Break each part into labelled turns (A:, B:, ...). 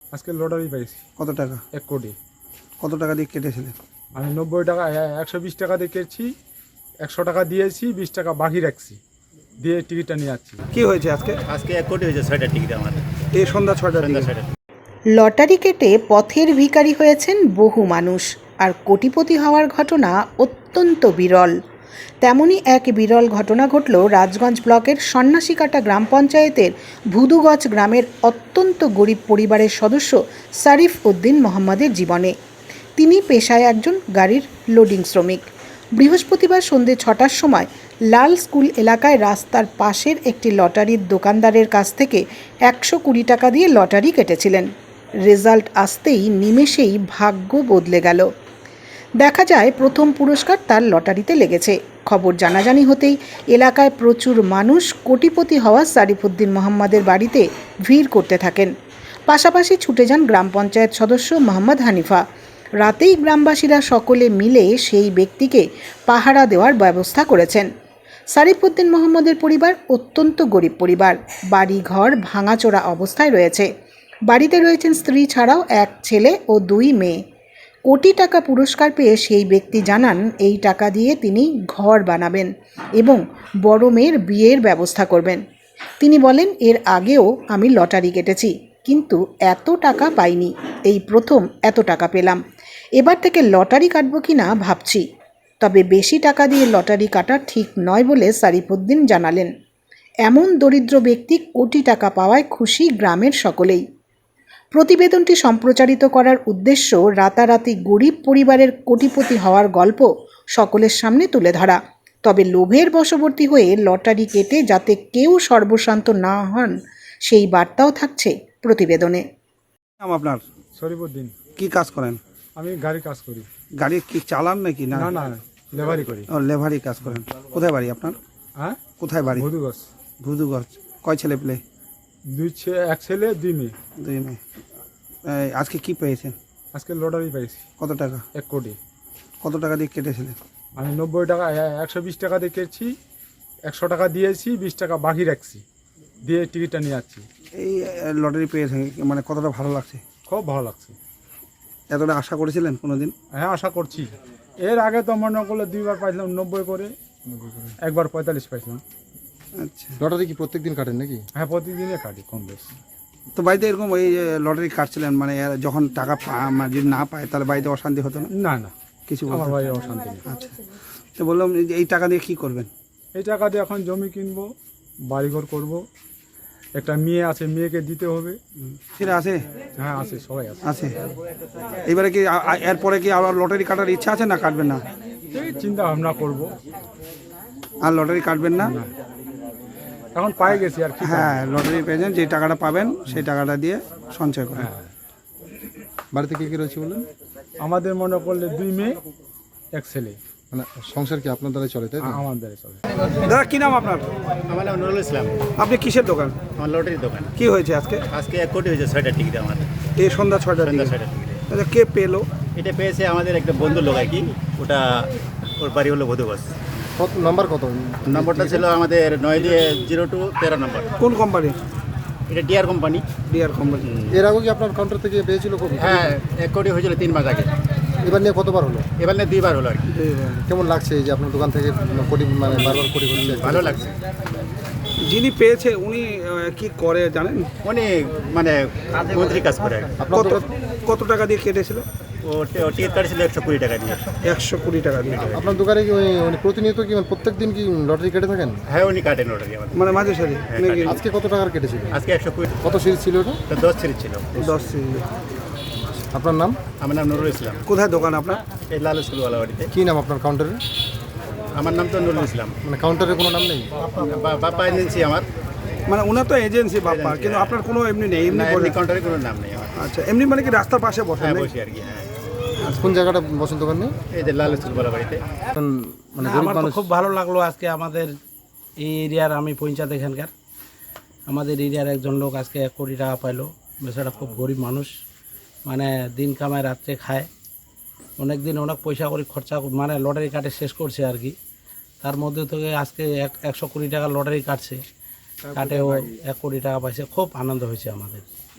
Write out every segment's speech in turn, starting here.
A: আজকে লটারি পাইছি।
B: কত টাকা?
A: 1 কোটি।
B: কত টাকা দিয়ে কেটেছিলেন?
A: আমি 90 টাকা 120 টাকা দিয়ে কেটেছি, 100 টাকা দিয়েছি, 20 টাকা বাকি রাখছি, দিয়ে টিকিটটা নিয়ে যাচ্ছি।
B: কি হয়েছে আজকে?
C: আজকে 1 কোটি হয়েছে 6টা টিকিট আমাদের।
B: এই সন্ধ্যা 6টার দিকে।
C: 6টা।
D: লটারি কেটে পথের ভিখারি হয়েছেন বহু মানুষ, আর কোটিপতি হওয়ার ঘটনা অত্যন্ত বিরল। তেমনই এক বিরল ঘটনা ঘটল রাজগঞ্জ ব্লকের সন্ন্যাসীকাটা গ্রাম পঞ্চায়েতের ভুদুগজ গ্রামের অত্যন্ত গরিব পরিবারের সদস্য সারিফ উদ্দিন মোহাম্মদের জীবনে। তিনি পেশায় একজন গাড়ির লোডিং শ্রমিক। বৃহস্পতিবার সন্ধ্যে 6টার সময় লাল স্কুল এলাকায় রাস্তার পাশের একটি লটারির দোকানদারের কাছ থেকে 120 টাকা দিয়ে লটারি কেটেছিলেন। রেজাল্ট আসতেই নিমেষেই ভাগ্য বদলে গেল। দেখা যায় প্রথম পুরস্কার তার লটারিতে লেগেছে। খবর জানাজানি হতেই এলাকায় প্রচুর মানুষ কোটিপতি হওয়া সারিফুদ্দিন মোহাম্মদের বাড়িতে ভিড় করতে থাকেন। পাশাপাশি ছুটে যান গ্রাম পঞ্চায়েত সদস্য মোহাম্মদ হানিফা। রাতেই গ্রামবাসীরা সকলে মিলে সেই ব্যক্তিকে পাহারা দেওয়ার ব্যবস্থা করেছেন। সারিফুদ্দিন মোহাম্মদের পরিবার অত্যন্ত গরিব পরিবার। বাড়ি ঘর ভাঙাচোরা অবস্থায় রয়েছে। বাড়িতে রয়েছেন স্ত্রী ছাড়াও 1 ছেলে ও 2 মেয়ে। কোটি টাকা পুরস্কার পেয়ে সেই ব্যক্তি জানান এই টাকা দিয়ে তিনি ঘর বানাবেন এবং বড় মেয়ের বিয়ের ব্যবস্থা করবেন। তিনি বলেন, এর আগেও আমি লটারি কেটেছি, কিন্তু এত টাকা পাইনি, এই প্রথম এত টাকা পেলাম। এবার থেকে লটারি কাটবো কিনা ভাবছি, তবে বেশি টাকা দিয়ে লটারি কাটা ঠিক নয় বলে সারিফুদ্দিন জানালেন। এমন দরিদ্র ব্যক্তি কোটি টাকা পাওয়ায় খুশি গ্রামের সকলেই। প্রতিবেদনটি সম্প্রচারিত করার উদ্দেশ্য রাতারাতি গরিব পরিবারের কোটিপতি হওয়ার গল্প সকলের সামনে তুলে ধরা। তবে লোভের বশবর্তী হয়ে লটারি কেটে যাতে কেউ সর্বশান্ত না হন, সেই বার্তাও থাকছে প্রতিবেদনে।
B: নাম আপনার?
A: শরীফুদ্দিন।
B: কি কাজ করেন?
A: আমি গাড়ি কাজ করি।
B: গাড়ি কি চালান নাকি? না
A: না, লেবারি করি।
B: ও, লেভারি কাজ করেন। কোথায় বাড়ি আপনার?
A: হ্যাঁ,
B: কোথায় বাড়ি?
A: ভুদুগজ।
B: ভুদুগজ। কয় ছেলে পেলে?
A: 1 ছেলে 2 মেয়ে।
B: 2 মেয়ে। আজকে কি পেয়েছেন?
A: আজকে লটারি পাইছি।
B: কত টাকা?
A: 1 কোটি।
B: কত টাকা দিয়ে কেটেছিলেন?
A: আমি 90 টাকা 120 টাকা দিয়ে কেটেছি, 100 টাকা দিয়েছি, 20 টাকা বাকি রাখছি, দিয়ে টিকিটটা নিয়ে যাচ্ছি।
B: এই লটারি পেয়েছেন, মানে কতটা ভালো লাগছে?
A: খুব ভালো লাগছে।
B: এতটা আশা করেছিলেন কোনোদিন?
A: হ্যাঁ, আশা করছি। এর আগে তো মনে করলে 2বার পাইছিলাম 90 করে, একবার 45 পাইছিলাম।
B: আচ্ছা।
E: লটারি কি প্রত্যেকদিন কাটেন নাকি?
A: হ্যাঁ, প্রতিদিনে কাটি কম বেশি।
B: তো বাড়িতে এরকম এই লটারি কাটছিলেন, মানে যখন টাকা মানে যদি না পায় তাহলে বাড়িতে অশান্তি হতো না?
A: না,
B: কিছু
A: আমার
B: বলতো না?
A: ভাই অশান্তি নেই।
B: আচ্ছা। তো বললাম যে এই টাকা দিয়ে কি করবেন?
A: এই টাকা দিয়ে এখন জমি কিনবো, বাড়িঘর করব, একটা মেয়ে আছে, মেয়েকে দিতে হবে।
B: সেটা আছে?
A: হ্যাঁ, আছে, সবাই আছে।
B: আছে। এবারে কি এরপরে কি আবার লটারি কাটার ইচ্ছা আছে না কাটবেন না?
A: এই চিন্তা ভাবনা করবো।
B: আর লটারি কাটবেন না?
A: এখন পাই গেছি আর কি।
B: হ্যাঁ, লটারি পেয়েছেন, যে টাকাটা পাবেন সেই টাকাটা দিয়ে সঞ্চয় করেন।
A: হ্যাঁ,
E: বাড়িতে কে কে রয়েছে বললেন?
A: আমাদের মনে করলে 2 মেয়ে 1 ছেলে।
E: মানে সংসার কি আপনার দ্বারাই চলে, তাই তো?
A: আমাদের চলে।
B: দাদা, কি নাম আপনার?
C: আমার নাম নুরুল ইসলাম।
B: আপনি কিসের দোকান?
C: আমার লটারির দোকান।
B: কি হয়েছে আজকে?
C: আজকে 1 কোটি হয়েছে 6টা টিকিট আমাদের।
B: এই সন্ধ্যা 6টার দিকে।
C: 6টা টিকিট।
B: আচ্ছা, কে পেলো?
C: এটা পেয়েছে আমাদের একটা বন্ধু লোক আর কি। ওটা ওর বাড়ি হলো ভুদুগজ।
E: কত নাম্বার? কত
C: নম্বরটা ছিল আমাদের 9202 13 নম্বর।
B: কোন কোম্পানি?
C: এটা ডিআর কোম্পানি।
B: DR company.
E: এর আগে কি আপনার কাউন্টার থেকে পেয়েছিল কবি?
C: হ্যাঁ, 1 কোটি হয়েছিল 3 মাস আগে।
E: এবার নিয়ে কতবার হলো?
C: এবার নিয়ে 2বার হলো আর কি।
E: কেমন লাগছে এই যে আপনার দোকান থেকে কোটি, মানে বারবার কোটি হচ্ছে?
C: ভালো লাগছে।
B: যিনি পেয়েছে উনি কি করে জানেন?
C: উনি মানে মন্ত্রী কাজ করে আর কি।
E: আপনার
B: কত
E: দোকান,
B: কত টাকা দিয়ে কেটেছিল?
C: ও টিকিট কাটছিল 120 টাকা দিয়ে।
B: 120 টাকা দিয়ে।
E: আপনার দোকানে কি উনি প্রতিনিয়ত কি, মানে প্রত্যেক দিন কি লটারি কেটে থাকেন?
C: হ্যাঁ, উনি কাটেন লটারি আমাদের।
B: মানে মাঝে সাঝে নাকি?
E: আজকে কত টাকার কেটেছিল?
C: আজকে 120।
E: কত সিরিজ ছিল ওটা?
C: 10 সিরিজ ছিল।
B: 10 সিরিজ।
E: আপনার নাম?
C: আমার নাম নুরুল ইসলাম।
B: কোথায় দোকান আপনার?
C: এই লাল স্কুলওয়ালা বাড়িতে।
E: কি নাম আপনার কাউন্টারের?
C: আমার নাম তো নুরুল ইসলাম।
E: মানে কাউন্টারের কোনো নাম নেই?
C: বাপ্পা এজেন্সি আমার।
B: মানে ওনার তো এজেন্সি বাপ্পা, কিন্তু আপনার কোনো এমনি নেই? এমনি বলে?
C: কাউন্টারে কোনো নাম নেই আমার।
B: আচ্ছা, এমনি মানে কি রাস্তার পাশে বসেন?
C: হ্যাঁ,
B: নাকি?
C: বসি আর কি। হ্যাঁ,
E: কোন জায়গাটা বসেন দোকান নিয়ে?
C: এই যে লাল স্কুলওয়ালা বাড়িতে।
E: মানে
F: না,
E: গরিব
F: আমার তো
E: মানুষ।
F: খুব ভালো লাগলো আজকে আমাদের এই এরিয়ার, আমি পঞ্চায়েত এখানকার, আমাদের এরিয়ার একজন লোক আজকে 1 কোটি টাকা পাইলো। বেচারা খুব গরিব মানুষ, মানে দিন কামায় রাত্রে খায়। অনেক দিন অনেক পয়সা করে খরচা, মানে লটারি কাটে শেষ করছে আর কি। তার মধ্যে থেকে আজকে 120 টাকা লটারি কাটছে, কাটে ও 1 কোটি টাকা পাইছে। খুব আনন্দ হয়েছে আমাদের।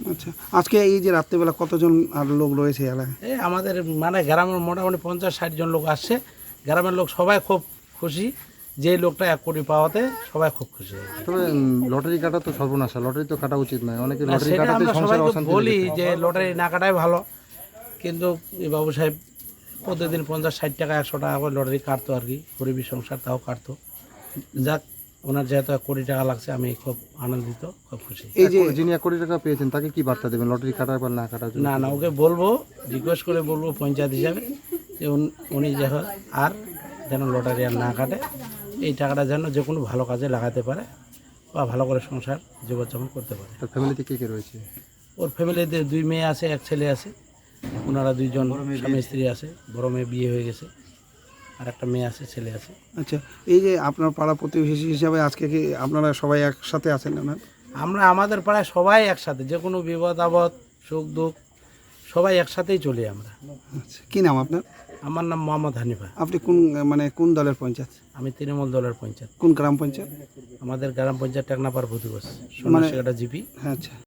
B: আচ্ছা, আজকে এই যে রাত্রেবেলা কতজন আর লোক রয়েছে এলাকায়?
F: এই আমাদের মানে গ্রামের মোটামুটি 50-60 জন লোক আসছে। গ্রামের লোক সবাই খুব খুশি, যে লোকটা 1 কোটি পাওয়াতে সবাই খুব খুশি।
E: তবে লটারি কাটা তো সর্বনাশা, লটারি তো কাটা উচিত নয়। অনেকে
F: না,
E: লটারি
F: সেটা
E: কাটাতে
F: আমরা
E: সংসারে
F: সবাইকে
E: অশান্তি
F: বলি
E: লেগে যায়।
F: যে লটারি না কাটাই ভালো, কিন্তু এই বাবু সাহেব প্রতিদিন 50-60 টাকা 100 টাকা করে লটারি কাটতো আর কি, গরিবী সংসার তাও কাটতো। যাক, ওনার যেহেতু 1 কোটি টাকা লাগছে, আমি খুব আনন্দিত, খুব খুশি।
B: এই যে
E: যিনি 1 কোটি টাকা পেয়েছেন তাকে কি বার্তা দেবেন লটারি কাটার পর না কাটার জন্য?
F: না না, ওকে বলবো, রিকোয়েস্ট করে বলবো পঞ্চায়েত হিসাবে যে উনি যখন আর যেন লটারি আর না কাটে, এই টাকাটা যেন যে কোনো ভালো কাজে লাগাতে পারে বা ভালো করে সংসার জীবনযাপন করতে পারে।
E: তার ফ্যামিলিতে কে কে রয়েছে?
F: ওর ফ্যামিলিতে 2 মেয়ে আছে, 1 ছেলে আছে। ওনারা 2 জন স্বামী স্ত্রী আছে, বড় মেয়ে বিয়ে হয়ে গেছে, আর একটা মেয়ে আছে, ছেলে আছে।
B: আচ্ছা, এই যে আপনার পাড়া প্রতিবেশী হিসাবে আজকে কি আপনারা সবাই একসাথে আছেন না?
F: আমরা আমাদের পাড়ায় সবাই একসাথে, যে কোনো বিপদ আপদ সুখ দুঃখ সবাই একসাথেই চলি আমরা।
B: আচ্ছা, কি নাম আপনার?
F: আমার নাম মোহাম্মদ হানিফা।
B: আপনি কোন দলের পঞ্চায়েত?
F: আমি তৃণমূল দলের পঞ্চায়েত।
B: কোন গ্রাম পঞ্চায়েত?
F: আমাদের গ্রাম পঞ্চায়েত টেকনাপাড় ভুতুগোস, সন্ন্যাসীঘাটা জিপি।
B: আচ্ছা।